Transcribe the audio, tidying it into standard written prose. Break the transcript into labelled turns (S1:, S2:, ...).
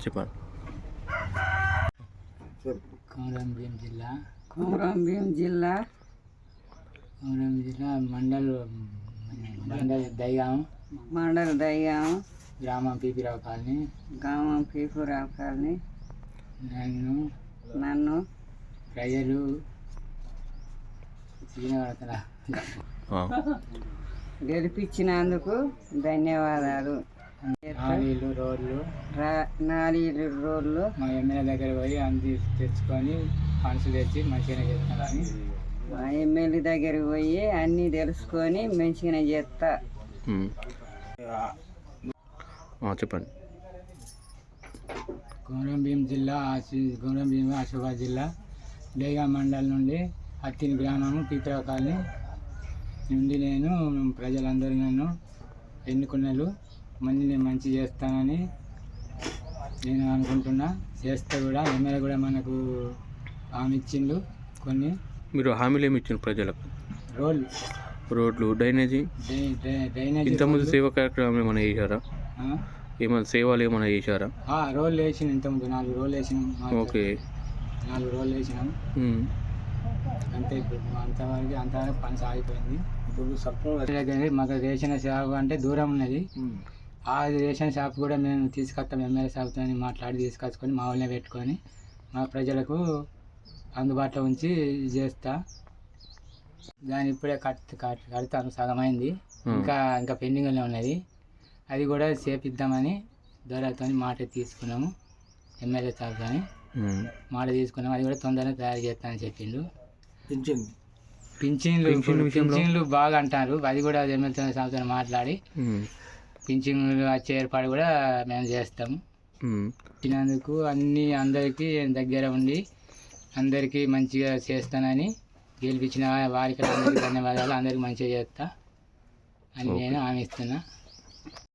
S1: చెప్పండి.
S2: కొమరంభీం జిల్లా
S3: కొమరంభీం జిల్లా
S2: మండల్ దైగాం
S3: మండల్ దయ్యాం
S2: గ్రామం పీపీరావు కాలనీ.
S3: గ్రామం పీపురావు కాలనీ. నన్ను
S2: ప్రజలు
S3: గెలిపించినందుకు ధన్యవాదాలు. నాలుగు రోడ్లు
S2: మా ఎమ్మెల్యే దగ్గర పోయి తెచ్చుకొని ఫండ్స్ తెచ్చి మంచిగానే చేస్తానని
S3: మా ఎమ్మెల్యే దగ్గరికి పోయి అన్నీ తెలుసుకొని మంచిగానే చేస్తా.
S1: చెప్పండి.
S2: కొమరంభీం జిల్లా ఆసిఫాబాద్ జిల్లా డేగా మండలం నుండి అత్తిని గ్రామము పీపీరావు కాలనీ నుండి నేను ప్రజలందరూ నన్ను ఎన్నుకున్నారు. నేను మంచి చేస్తానని నేను అనుకుంటున్నా. చేస్తే కూడా ఎమ్మెల్యే కూడా మనకు హామీ ఇచ్చిండు. కొన్ని
S1: మీరు హామీలు ఏమి ఇచ్చిండ్రు ప్రజలకు? రోడ్లు, డ్రైనేజీ. ఇంతకుముందు సేవా కార్యక్రమం ఏమైనా చేశారా? ఏమైనా సేవలు ఏమైనా చేశారా?
S2: రోడ్లు వేసిన ఇంతకుముందు 4 రోడ్లు వేసినాం.
S1: ఓకే,
S2: 4 రోడ్లు వేసినాం అంతే. ఇప్పుడు అంతవరకు పని సాగిపోయింది. ఇప్పుడు సర్పంచ్ మాకు రేషన్ షాప్ అంటే దూరం ఉన్నది. ఆ రేషన్ షాప్ కూడా మేము తీసుకొస్తాం. ఎమ్మెల్యే షాప్తో మాట్లాడి తీసుకొచ్చుకొని మా వాళ్ళనే పెట్టుకొని మా ప్రజలకు అందుబాటులో ఉంచి చేస్తా. దాన్ని ఇప్పుడే కడతాను, సగమైంది. ఇంకా పెండింగ్లోనే ఉన్నది. అది కూడా చేపిద్దామని దొరతో మాట తీసుకున్నాము. ఎమ్మెల్యే షాప్తో మాట తీసుకున్నాము. అది కూడా తొందరగా తయారు చేస్తానని చెప్పిండు. పింఛన్లు బాగా అంటారు. అది కూడా ఎమ్మెల్యే షాప్తో మాట్లాడి పింఛన్లు వచ్చే ఏర్పాటు కూడా మేము చేస్తాము. ఇచ్చినందుకు అందరికీ దగ్గర ఉండి అందరికీ మంచిగా చేస్తానని గెలిపించిన వారికి అందరికీ ధన్యవాదాలు. అందరికీ మంచిగా చేస్తా అని నేను హామీ ఇస్తున్నా.